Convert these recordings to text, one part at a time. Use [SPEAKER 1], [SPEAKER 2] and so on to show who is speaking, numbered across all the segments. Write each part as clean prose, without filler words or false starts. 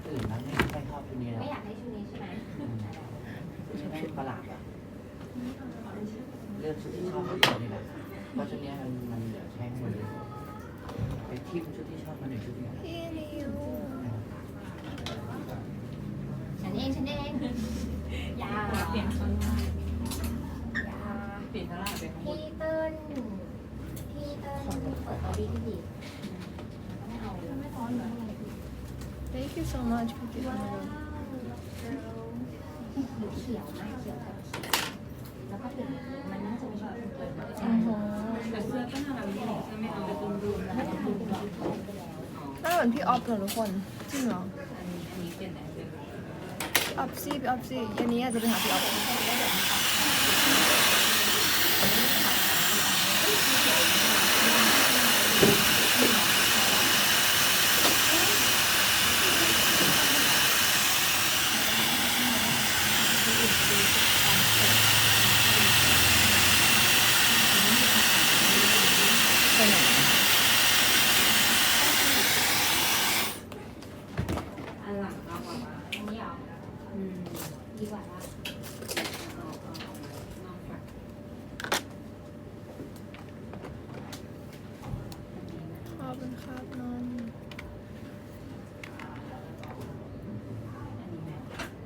[SPEAKER 1] อื่นนะไม่ค่อยชอบชุดนี้แล้ว
[SPEAKER 2] ไม่อยากให้ชุดนี้ใช่ไหม
[SPEAKER 1] แม่งประหลาดอะเลือกชุดที่ชอบคนเดียวนี่แหละเพราะชุดนี้มันเหลือใช้หมดเลยไปทิมชุดที่ชอบมาหนึ่งชุดเดียว
[SPEAKER 3] พี่นิว
[SPEAKER 2] ฉันเองยา
[SPEAKER 4] เปลี่ยนข้างหน้าย
[SPEAKER 2] า
[SPEAKER 4] เปลี่ยนข้างหน้าเป็นข้างบน
[SPEAKER 2] พี่เติ้ลเปิดออดี้ที่ดีไม่เอาไม่ร้อนเหรอ
[SPEAKER 3] Thank you so much พี่
[SPEAKER 2] ว้า
[SPEAKER 3] นิว
[SPEAKER 2] วเขียวมากเขียวกับเขียวแล้วก็เปลี่ยนมันน่าจะไม่ชอบเกิน
[SPEAKER 3] อ๋อ
[SPEAKER 4] แต่เสื้อก็น่ารักดีใช่ไหมเอาไปตุ้มดูแล้ว
[SPEAKER 2] ไม่ได้ดูหรอกไปแล้ว
[SPEAKER 3] หน้าเหมือนพี่ออฟเลยทุกคนจริงเหรอ
[SPEAKER 4] อันนี้เปลี่ยนไหนเป็น
[SPEAKER 3] พี่ออฟซี่อันนี้อาจจะไปหาพี่ออฟไปไหน
[SPEAKER 4] อันหลังเอากว่ามา
[SPEAKER 2] อันนี้เหรอดีกว่าละ
[SPEAKER 4] เอานอกจาก
[SPEAKER 3] ขอบคุณครับนอน
[SPEAKER 4] อันนี้แม่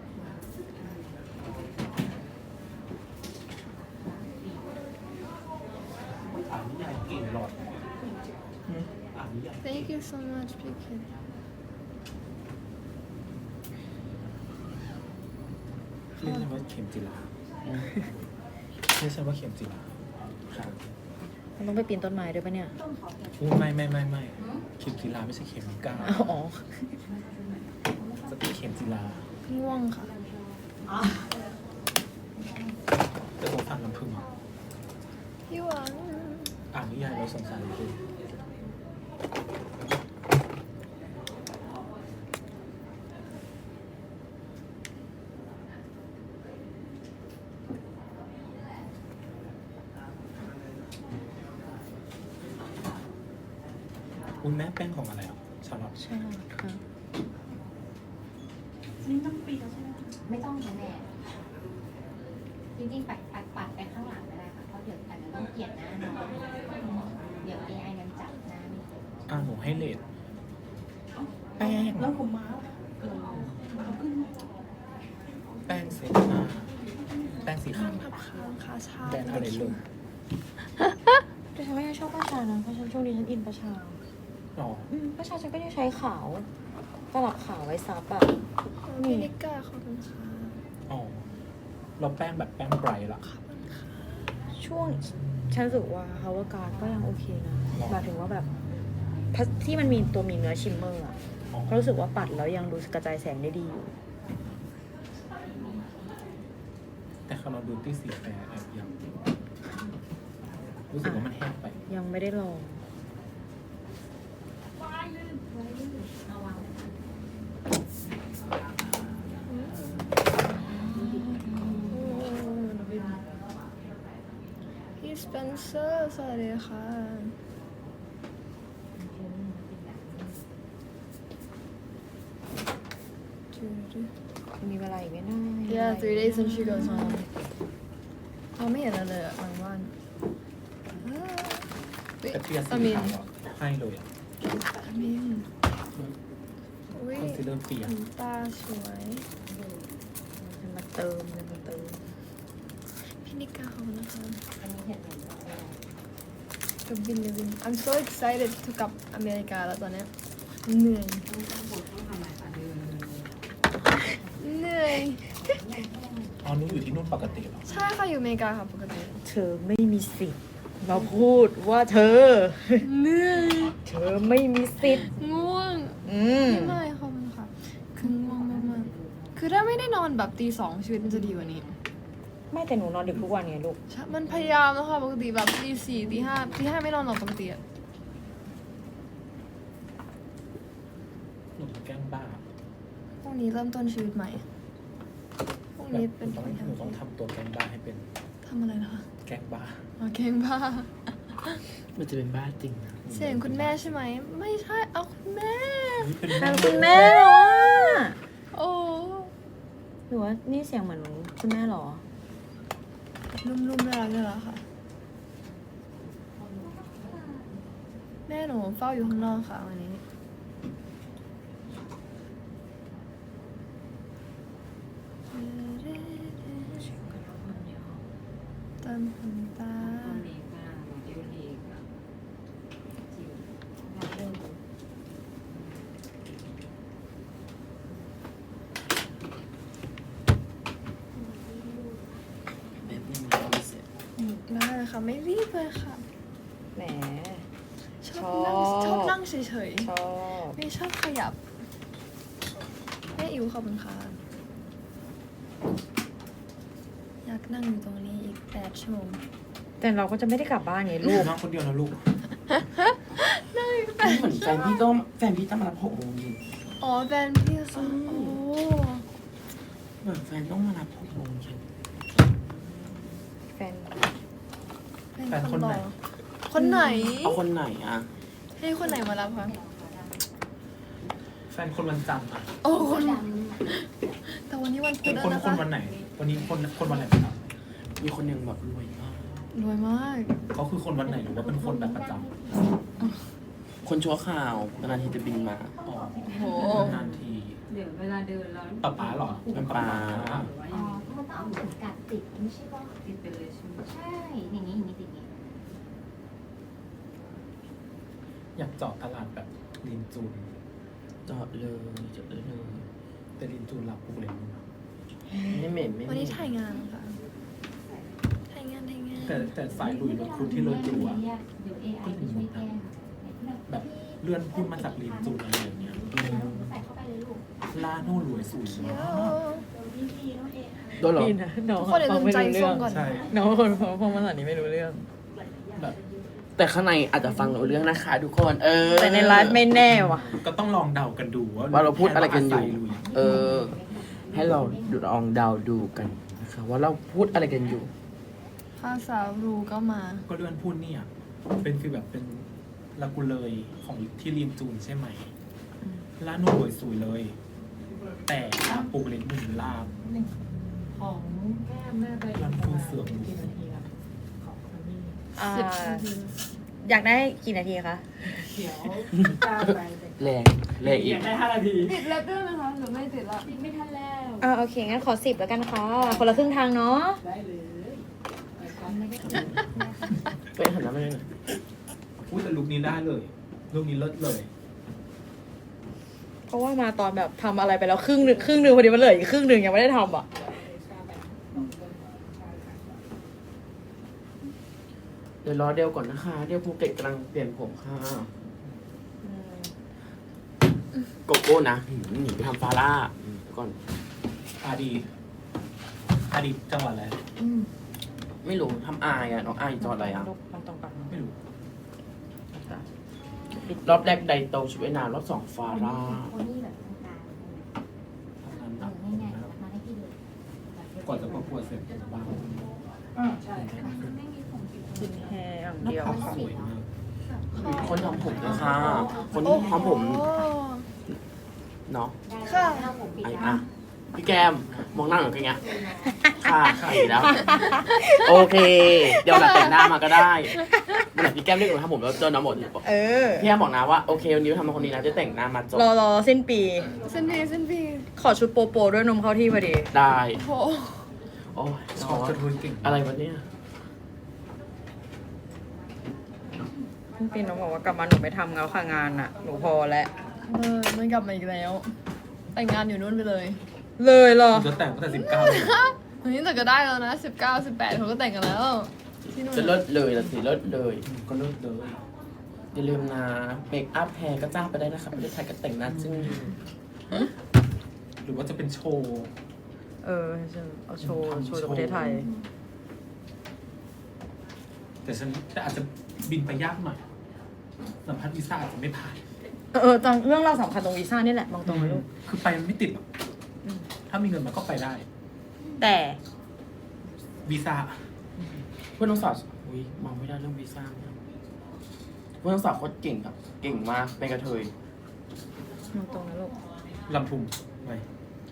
[SPEAKER 1] อ่านนิยายเก่งหลอดอ่านนิยาย
[SPEAKER 3] Thank you so much พี่คิด
[SPEAKER 5] เรียกฉันว่าเข็มจิราเรียกฉันว่าเข็มจิราครับ
[SPEAKER 6] มันต้องไปปีนต้นไม้ด้วยปะเนี่ย
[SPEAKER 5] อู้ไม่เข็มจิราไม่ใช่เข็มก้าว
[SPEAKER 6] อ๋อ
[SPEAKER 5] จะเป็นเข็มจิรา
[SPEAKER 3] ง่วงค่ะ
[SPEAKER 5] แต่ผมฟังลำพึงอ่ะ
[SPEAKER 3] พี่หวัง
[SPEAKER 5] อ่านนิยายเราสงสารเลยอุ้ยแม่แป้งของอะไรอ่ะชาลอต
[SPEAKER 6] ใช่ค่ะ
[SPEAKER 4] นี่ต้องปีแล้วใช่ไหม
[SPEAKER 2] ไม่ต้องนะแม่จริงๆปัดไปข้างหลังก็ได้ค่ะเพราะเดี๋ยวอาจจะต้องเปลี่ยนหน้าน้องเดี๋ยว AI มันจับหน้าไม่ถูก
[SPEAKER 5] หนูให้เลทแป้ง
[SPEAKER 4] แล้วผมม้าเอาขึ้น
[SPEAKER 5] แป้งเซตหน้าแป้งสี
[SPEAKER 3] ข้า
[SPEAKER 5] ขาง ว
[SPEAKER 3] ทับค้างคาชา
[SPEAKER 5] แบรนด์อะไรเลย
[SPEAKER 6] แต่ฉันก็ยังชอบประชานะเพราะฉันช่วงนี้ฉันอินประชา
[SPEAKER 5] อ๋อ
[SPEAKER 6] ประชาฉันก็ยังใช้ขาวตลับขาวไว้ซับอ่ะ
[SPEAKER 3] พี่นิก้าขอบคุณค่ะ
[SPEAKER 5] อ๋อเราแป้งแบบแป้งไบรท์ละ
[SPEAKER 3] ขอบคุณค่ะ
[SPEAKER 6] ช่วงฉันรู้สึกว่าฮาวาการก็ยังโอเคนะหมายถึงว่าแบบที่มันมีตัวมีเนื้อชิมเมอร์อ่ะ
[SPEAKER 5] อ๋อ
[SPEAKER 6] ก็รู้สึกว่าปัดแล้วยังดูกระจายแสงได้ดีอยู่
[SPEAKER 5] แต่คาร์ลดูตี้สีแฟร์แอบยังรู้สึกว่ามันแห้งไป
[SPEAKER 6] ยังไม่ได้ลอง
[SPEAKER 2] เอาวาง
[SPEAKER 3] พี่สเปนเซอร์สวัสดีค่ะ
[SPEAKER 6] มีเวลาอีกไม่นาน
[SPEAKER 3] Yeah 3 days and she goes home เราไม่เห็นอะไรเลยอะบางวัน
[SPEAKER 5] แต่เทียร์สี
[SPEAKER 3] อามิน
[SPEAKER 5] ขาวอะให้เลยอ่ะ
[SPEAKER 3] อามินอุ้ย
[SPEAKER 5] คอนซีลเลอร์เปีย
[SPEAKER 3] ขนตาสวย
[SPEAKER 6] มันมาเติม
[SPEAKER 3] พี่นิก้าขอบคุณนะคะ
[SPEAKER 2] อันนี้เห็นไหม
[SPEAKER 3] กับบินเลยบิน I'm so excited to กลับอเมริกาแล้วตอนเนี้ยเหนื่อย
[SPEAKER 4] ต้องบดต้องทำอะไรคะเดิน
[SPEAKER 3] เหนื่อย
[SPEAKER 5] อ๋อนุ้อยู่ที่นู่นปกติเหรอ
[SPEAKER 3] ใช่ค่ะอยู่อเมริกาค่ะปกติ
[SPEAKER 6] เธอไม่มีสิทธิ์มาพูดว่าเธอ
[SPEAKER 3] เหนื่อย
[SPEAKER 6] เธอไม่มีสิทธิ์
[SPEAKER 3] ง่วง ไม่ขอบคุณค่ะคือง่วงมากๆคือถ้าไม่ได้นอนแบบตี 2ชีวิตมันจะดีกว่านี้
[SPEAKER 6] ไม่แต่หนูนอนดึกทุกวันไงลูก
[SPEAKER 3] ใช่มันพยายามแล้วค่ะปกติแบบตี 4ตี 5ตี 5ไม่นอนหรอกปกติอะ
[SPEAKER 5] หนูแกล้งบ้า
[SPEAKER 3] พรุ่งนี้เริ่มต้นชีวิตใหม่พรุ่ง
[SPEAKER 5] แบบ
[SPEAKER 3] นี้
[SPEAKER 5] ห
[SPEAKER 3] เป็น
[SPEAKER 5] นูต้อง
[SPEAKER 3] วัน
[SPEAKER 5] หนูต้องทำตัวแกล้งบ้าให้เป็น
[SPEAKER 3] ทำอะไรนะคะ
[SPEAKER 5] แกล้งบ้า
[SPEAKER 3] อ๋อเก่งบ้า
[SPEAKER 1] มันจะเป็นบ้าจริงนะ
[SPEAKER 3] เสียงคุณแม่ใช่ไหม ไม่ใช่ เอาคุณแม่
[SPEAKER 5] เป็น
[SPEAKER 6] ทางคุณแม่เหรอวะ
[SPEAKER 3] โอ้
[SPEAKER 6] หรือว่านี่เสียงเหมือนคุณแม่เหรอ
[SPEAKER 3] นุ่มๆน่ารักค่ะ แม่หนูเฝ้าอยู่ข้างนอกค่ะวันนี้เติมขนตา
[SPEAKER 4] ตอนนี้ค่ะหนูดิวลีค่ะจิ๋วมาเริ่ม
[SPEAKER 1] แบบนี้มันไม่เสร็จ
[SPEAKER 3] ได้เลยค่ะ ไม่รีบเลยค่ะ
[SPEAKER 6] แหม
[SPEAKER 3] ชอบนั่งเฉย
[SPEAKER 6] ชอบ
[SPEAKER 3] ๆ ไม่ชอบขยับแม่อิ๋วขอบคุณค่ะ อยากนั่งอยู่ตรงนี้อีก8 ชั่วโมง
[SPEAKER 6] แต่เราก็จะไม่ได้กลับบ้านไงลูก
[SPEAKER 5] น้องคนเดียวนะลูก
[SPEAKER 1] เหมือนแฟนพี่ต้องมารับ6 โมงเย็น
[SPEAKER 3] อ๋อแฟนพี่ค่ะโอ้
[SPEAKER 1] เหมือนแฟนต้องมารับ6 โมงเย็น
[SPEAKER 6] แฟน
[SPEAKER 3] เป็น
[SPEAKER 5] แฟนคนไหน
[SPEAKER 3] รอคนไหน
[SPEAKER 1] เอาคนไหนอ่ะ
[SPEAKER 3] ให้คนไหนมารับคะ
[SPEAKER 5] แฟนคนวันจันทร์อะ
[SPEAKER 3] โอ้คน
[SPEAKER 2] ดำ
[SPEAKER 3] แต่วันนี้วันพุ
[SPEAKER 5] เป็
[SPEAKER 3] ธ
[SPEAKER 5] น
[SPEAKER 3] แล้ว
[SPEAKER 5] คน
[SPEAKER 3] นะ
[SPEAKER 5] คน
[SPEAKER 3] คะ
[SPEAKER 5] วันไหน วันนี้คนวันไหนครับ
[SPEAKER 1] มีคนหนึ่งแบบรวยมาก
[SPEAKER 3] รวยมาก
[SPEAKER 5] เขาคือคนวันไหนหรือว่าเป็นคนแบบประจ
[SPEAKER 1] คนชั่วข่าวนานๆทีจะบินมา
[SPEAKER 5] ำอ๋อ
[SPEAKER 3] โอ้
[SPEAKER 5] นานที
[SPEAKER 4] เดี๋ยวเวลาเดินแล้ว
[SPEAKER 5] ป๊าเหรอ
[SPEAKER 1] ป๊า
[SPEAKER 4] หรือว่า
[SPEAKER 2] อ๋
[SPEAKER 4] ยั
[SPEAKER 2] อง มันต้องเอาเข็มกัดติดไม่ใช่ป่ะ
[SPEAKER 4] ติดไปเลยใช่ไหม
[SPEAKER 2] ใช่ อย่างนี้ติดอย่างนี้
[SPEAKER 5] อยากเจาะตลาดแบบลินจูน
[SPEAKER 1] จอดเลย
[SPEAKER 5] แต่ลินจูนรับปุ๊บเลยมึง
[SPEAKER 1] ไม่เหม็นไม่
[SPEAKER 3] วัน
[SPEAKER 1] เหม็
[SPEAKER 3] นี้
[SPEAKER 1] น
[SPEAKER 3] ถ่ายงานค่ะ ถ่ายงาน
[SPEAKER 5] แต่สายลุยรถคุณที่เลิศจูอะ
[SPEAKER 2] เดี๋ยว AI ไปช่วยแก้ค่ะ
[SPEAKER 5] แบบเลื่อนพูดมาจากลินจูนอะไรอย่างเงี้ย
[SPEAKER 2] ใส่เข้าไปเลยลูก
[SPEAKER 5] ล่าโน่รวยสูง
[SPEAKER 3] เที่
[SPEAKER 5] มาย
[SPEAKER 3] ว
[SPEAKER 5] ก
[SPEAKER 1] โดนเหรอ
[SPEAKER 6] พี่นะน้อง
[SPEAKER 3] ทุกคนอย่าลืมใจส้มก่อน
[SPEAKER 5] ใช่
[SPEAKER 6] น้องคนฟังภาษานี้ไม่รู้เรื่อง
[SPEAKER 5] แบบ
[SPEAKER 1] แต่ข้างในอาจจะฟังรู้เรื่องนะคะทุกคน
[SPEAKER 6] แต่ในไลฟ์ไม่แน่ว่ะ
[SPEAKER 5] ก็ต้องลองเดากันดูว่า
[SPEAKER 1] ว่าเราพูดอะไรกันอยู่
[SPEAKER 5] แค่ว่าาศัลุย
[SPEAKER 1] ให้เราลองเดาดูกันนะคะว่าเราพูดอะไรกันอยู่
[SPEAKER 3] ภาษารูก็มา
[SPEAKER 5] ก็เลื่อนพูดเนี่ย เป็นฟีลแบบเป็นลากูเลยของที่ลินจูนใช่ไหมล่าโน่รวยสูงเลย แต่ปูเล็กหนึ่งลาบ
[SPEAKER 4] ของแก้มแม่ไป
[SPEAKER 5] รันคูเสื่อม
[SPEAKER 4] กี่นาทีแล้วของคนนี้
[SPEAKER 3] 10 นาที
[SPEAKER 6] อยากได้กี่นาทีคะ
[SPEAKER 4] เดี๋ยวจ้าไปแต่
[SPEAKER 1] แรงอีก
[SPEAKER 5] ได้5 นาที
[SPEAKER 3] ติดเล็บด้วยไหมคะหรือไม่ติดละ
[SPEAKER 4] ติดไม่ทันแล้ว
[SPEAKER 6] โอเค งั้นขอ10แล้วกันค่ะ คนละครึ่งทางเนาะ
[SPEAKER 4] ได้เลย
[SPEAKER 1] ไปหันหน้ามาเลย
[SPEAKER 5] พูดแต่ลุคนี้ได้เลยลุคนี้เลิศเลย
[SPEAKER 6] เพราะว่ามาตอนแบบทำอะไรไปแล้วครึ่งหนึ่งพอดีมันเหลืออีกครึ่งหนึ่งยังไม่ได้ทำอ่ะ
[SPEAKER 1] เดี๋ยวรอเดวก่อนนะคะ เดวภูเก็ตกำลังเปลี่ยนผมค่ะ โกโก้นะหนีไปทำฟาร่าเดี๋ยวก่อน
[SPEAKER 5] อาดีจังหวัดอะไร
[SPEAKER 1] ไม่รู้ทำอายอ่ะ น้องอายจอดอะไรอ่ะ
[SPEAKER 6] มันตรงกัน
[SPEAKER 5] ไม่รู้
[SPEAKER 1] รอบแรกไดโตชุดว่ายน้ำรอบ2ฟาร่า
[SPEAKER 2] โคนี่แบบกลาง
[SPEAKER 5] ทำงานห
[SPEAKER 2] ๆ
[SPEAKER 5] นัก
[SPEAKER 2] ง่ายๆมาให้พี่ดู
[SPEAKER 5] กว่าจะประกวดเสร็จบ้าง
[SPEAKER 4] ใช่
[SPEAKER 6] กินแฮอย่างเดียว
[SPEAKER 5] ภาพ
[SPEAKER 6] ค่ะ
[SPEAKER 5] สวยมาก
[SPEAKER 1] คนทำผมนะคะ คนที่ทำผม
[SPEAKER 3] โอ้
[SPEAKER 1] เนาะ
[SPEAKER 2] ค่ะ ผมปิด
[SPEAKER 1] ไอ้
[SPEAKER 2] แล้ว
[SPEAKER 1] อะพี่แกมมองหน้าเหมือนกันไงค่ะดีแล้ว โอเค เดี๋ยวหลังแต่งหน้ามาก็ได้เมื่อไหร่พี่แก้มเรียกหนูทำผมแล้วเจอน้องหมด พี่แก้มบอกนะว่าโอเควันนี้ทำคนนี้นะจะแต่งหน้ามาจบ
[SPEAKER 6] รอสิ้นปี
[SPEAKER 3] เส้นพี
[SPEAKER 6] ขอชุดโปโปด้วยนมเข้าที่พอดี
[SPEAKER 1] ได้
[SPEAKER 3] โอ้
[SPEAKER 1] โอ้ย
[SPEAKER 5] ชอบกระทุนเก่ง
[SPEAKER 1] อะไรวะเนี่ย
[SPEAKER 6] สิ้นปีน้องบอกว่ากลับมาหนูไม่ทำแล้วค่ะงานอ่ะ หนูพอแล้ว
[SPEAKER 3] มันกลับมาอีกแล้ว แต่งงานอยู่นู่นไปเลย
[SPEAKER 6] เลยเหรอ
[SPEAKER 5] จะแต่งตั้งแต่19เลย
[SPEAKER 3] วันนี้แต่ก็ได้แล้วนะ 19 18เขาก็แต่งกันแล้ว ที่นู่น
[SPEAKER 1] จะเลิศเลยละสิเลิศเลย
[SPEAKER 5] ก็เลิกเลย
[SPEAKER 1] อย่าลืมนะเมคอัพแพรก็จ้างไปได้นะครับประเทศไทยก็แต่งหน้าจึ้ง
[SPEAKER 5] หรือว่าจะเป็นโชว์
[SPEAKER 6] เอาโชว์จากประเทศไทย
[SPEAKER 5] แต่อาจจะบินไปยากหน่อยสัมภาษณ์วีซ่าอาจจะไม่ผ่าน
[SPEAKER 6] ตอนเรื่องเราวสำคัญตรงวีซ่านี่แหละมองตรงไหมลูก
[SPEAKER 5] คือไปมันไม่ติดหรอกถ้ามีเงินมันก็ไปได้
[SPEAKER 6] แต่
[SPEAKER 5] วีซ่า
[SPEAKER 1] เพื่อนน้องสาวอุ้ยมองไม่ได้เรื่องวีซ่าเนี่ยเพื่อนน้องสาวโคตรเก่งครับเก่งมากเป็นกระเทย
[SPEAKER 6] มองตรงนะลูก
[SPEAKER 5] ลำทุมไป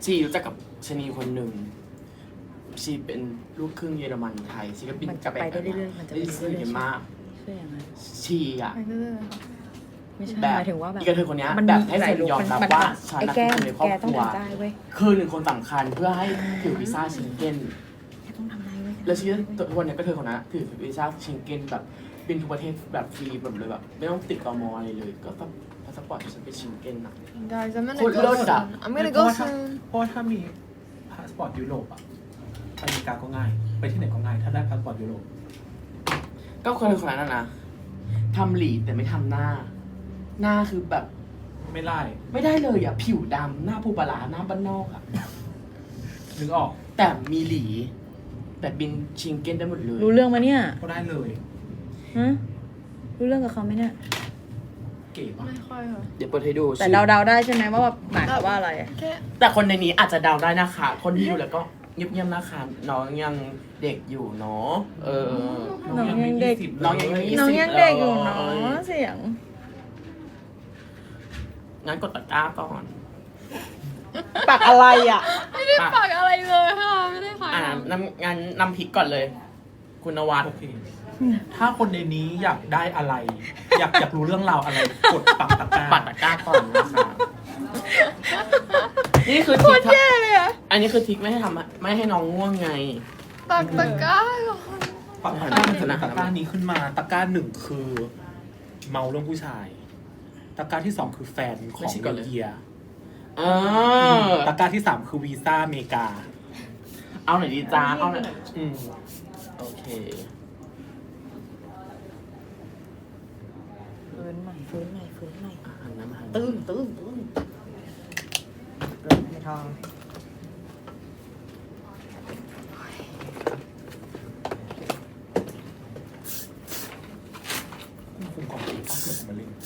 [SPEAKER 1] ชีรู้จักกับชะนีคนหนึ่งชีเป็นลูกครึ่งเยอรมันไทยชีก็บิน
[SPEAKER 6] มันจะไปได้เรื่อยๆมันจะไป
[SPEAKER 1] ได้
[SPEAKER 6] เรื่อยๆ
[SPEAKER 1] เยอะมาก
[SPEAKER 6] เชื่ออย่างนั้น
[SPEAKER 1] ชีอ่ะ
[SPEAKER 3] ไปเรื่อยๆค่ะ
[SPEAKER 6] ไม่ใช่
[SPEAKER 1] แบบ
[SPEAKER 6] หมายถึงว่าแบบ
[SPEAKER 1] อีกระเทยคนเนี้ย
[SPEAKER 6] มัน
[SPEAKER 1] แบบ
[SPEAKER 6] มี
[SPEAKER 1] ให้
[SPEAKER 6] ห
[SPEAKER 1] เซ
[SPEAKER 6] ลาย
[SPEAKER 1] น
[SPEAKER 6] ลุค
[SPEAKER 1] ยอมรับ
[SPEAKER 6] มัน
[SPEAKER 1] ว่าฉัน
[SPEAKER 6] ไอ้
[SPEAKER 1] น่ะ
[SPEAKER 6] แก้
[SPEAKER 1] คือ
[SPEAKER 6] ม
[SPEAKER 1] คนในครอบ
[SPEAKER 6] แก
[SPEAKER 1] ค
[SPEAKER 6] ต้อง
[SPEAKER 1] รัว
[SPEAKER 6] ทำได้เว้ย
[SPEAKER 1] คือหนึ่งคนสำคัญเพื่อให้ถือวีซ่าเชงเก้น
[SPEAKER 6] แกต้องทำได้เว้ย
[SPEAKER 1] แล้วชีตัววันเนี้ยก็เธอคนนั้นถือวีซ่าเชงเก้นแบบบินทุกประเทศแบบฟรีแบบเลยแบบไม่ต้องติดตมอะไรเลย ก็แบบพาสปอร์ตฉันเป็นเชงเก้นนะ
[SPEAKER 3] guys I'm gonna
[SPEAKER 1] โคตรเลิ
[SPEAKER 3] go
[SPEAKER 1] ศอะ
[SPEAKER 3] soon I'm gonna go soon
[SPEAKER 5] เพราะว่าถ้ามีพาสปอร์ตยุโรปอะไปอเมริกาก็ง่าย ไปที่ไหนก็ง่าย ถ้าได้พาสปอร์ตยุโรป
[SPEAKER 1] ก็คนนั้นนะทำหลีแต่ไม่ทำหน้า หน้าคือแบบ
[SPEAKER 5] ไม่ไล่
[SPEAKER 1] ไม่ได้เลยอ่ะผิวดำหน้าผู้ปลาร้าหน้าบ้านนอกอ่ะ
[SPEAKER 5] นึกออก
[SPEAKER 1] แต่มีหลี แต่บินชิงเก้นได้หมดเลย
[SPEAKER 6] รู้เรื่องมาเนี่ย
[SPEAKER 5] ก็ได้เลย
[SPEAKER 6] ฮะรู้เรื่องกับเขาไหมเนี่ย
[SPEAKER 5] เก๋ปะ
[SPEAKER 3] ไม่ค่อยค่ะ
[SPEAKER 1] เดี๋ยวเปิดให้ดู
[SPEAKER 6] แต่เดาๆได้ใช่ไหมว่าแบบหมายความว่าอะไร
[SPEAKER 3] แค่
[SPEAKER 1] แต่คนในนี้อาจจะเดาได้นะคะ คนที่ดูแล้วก็เงียบๆนะคะน้องยังเด็กอยู่เนาะ
[SPEAKER 6] น้องยังเด็ก
[SPEAKER 1] น้องยังไม่
[SPEAKER 6] น้องยังเด็กอยู่เนาะเสียง
[SPEAKER 1] งั้นกดตะกร้าก่อน
[SPEAKER 6] ปากอะไรอ่ะ
[SPEAKER 3] ไม่ได้ฝากอะไรเลยค่ะไม่ได้ฝาก
[SPEAKER 1] งั้นนำพริกก่อนเลย คุณนวัด
[SPEAKER 5] โอเค ถ้าคนในนี้อยากได้อะไร อยากรู้เรื่องราวอะไร กดปักตะกร้า
[SPEAKER 1] ปัดตะกร้าก่อนนะคะนี่คือ
[SPEAKER 6] โค
[SPEAKER 1] ทิ
[SPEAKER 6] ต
[SPEAKER 1] ก
[SPEAKER 6] รแย่เลยอ่ะ
[SPEAKER 1] อันนี้คือทิกไม่ให้ไม่ให้น้องง่วงไง
[SPEAKER 3] ตักตะกร้าก่อน
[SPEAKER 5] ปักตะกร้าหนึ่งตะกร้านี้ขึ้นมา ตะกร้าหนึ่งคือ เมาเรื่องผู้ชาย ตะกร้าที่สองคือแฟนของ
[SPEAKER 1] ไม่ใช่ก่อนเลย
[SPEAKER 5] เยีย ตะกร้าที่สามคือวีซ่าอเมริกา
[SPEAKER 1] เอาหน่อยดีจ้าเอาหน่อย
[SPEAKER 5] อืม
[SPEAKER 1] โอเค
[SPEAKER 6] ฟื้นใหม่ฟื้นใหม่ฟื้นใหม่
[SPEAKER 1] หันน้ำหัน
[SPEAKER 6] ตื้นไม่ทอง
[SPEAKER 5] คุมของตีป้าเกิดมาเล่น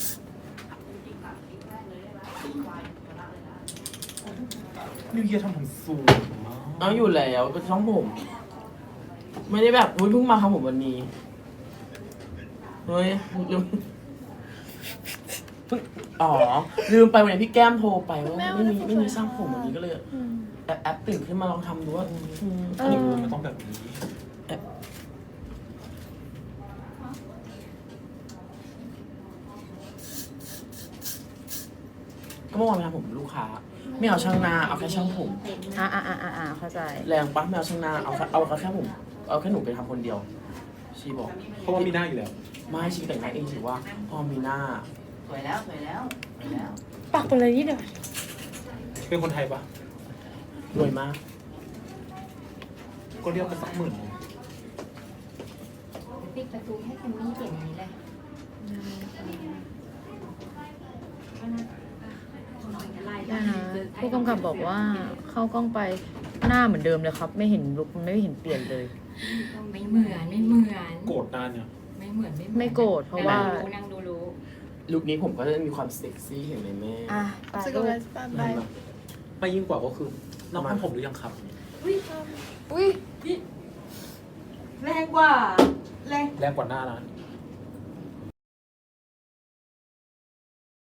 [SPEAKER 5] นิวเยียทำผมสูงมาก
[SPEAKER 1] เอาอยู่แล้วเป็นช่องผม ไม่ได้แบบอุ๊ยเพิ่งมาทำผมวันนี้ เฮ้ยลืมเพิ่งอ๋อ ลืมไปวันนี้พี่แก้มโทรไปว่าไม่มีช่างผมวันนี้ก็เลยแอปตื่นขึ้นมาลองทำดูว่าอันนี้
[SPEAKER 5] มันต้องแบบนี้
[SPEAKER 1] ก็เมื่อวานไปทำผมลูกค้า ไม่เอาช่างหน้าเอาแค่ช่างผม
[SPEAKER 6] เข้าใจ
[SPEAKER 1] แรงปะไม่เอาช่างหน้าเอาแค่ผมเอาแค่หนูไปทำคนเดียว ชีบอก
[SPEAKER 5] เพราะว่ามีหน้าอยู่แล้ว
[SPEAKER 1] ไม่ชีแต่งหน้าเองถือว่าพอมีหน้า
[SPEAKER 4] สวยแล้วสวยแล้วสวยแล้ว
[SPEAKER 6] ปากเป็นอะไรนี่เดี๋ยว
[SPEAKER 5] เป็นคนไทยปะ
[SPEAKER 1] รวยมาก
[SPEAKER 5] ก็เรียกไปสักหมื่น
[SPEAKER 2] ปิดประตูให้คุณมี่เปลี่ยนนี้เลย
[SPEAKER 6] ได้นะผู้กำกับบอกว่าเข้ากล้องไปหน้าเหมือนเดิมเลยครับ ไม่เห็นลุกมันไม่เห็นเปลี่ยนเลย
[SPEAKER 2] ไม่เหมือนไม่เหมือน
[SPEAKER 5] โกรธนานเนี่ย
[SPEAKER 2] ไม่เหมือน
[SPEAKER 6] ไม่โกรธเพราะว่า
[SPEAKER 2] นั่งดูรู้
[SPEAKER 1] ลุคนี้ผมก็จะมีความเซ็กซี่เห็นไหมแม่
[SPEAKER 6] อ่ะไป
[SPEAKER 3] สก
[SPEAKER 6] ลูก
[SPEAKER 3] ายสบาย
[SPEAKER 5] ไม่ยิ่งกว่าก็คือน้องทำผมหรือยังครับ
[SPEAKER 3] อุ้ย
[SPEAKER 4] แรงกว่าแรง
[SPEAKER 5] แรงกว่าหน้านะ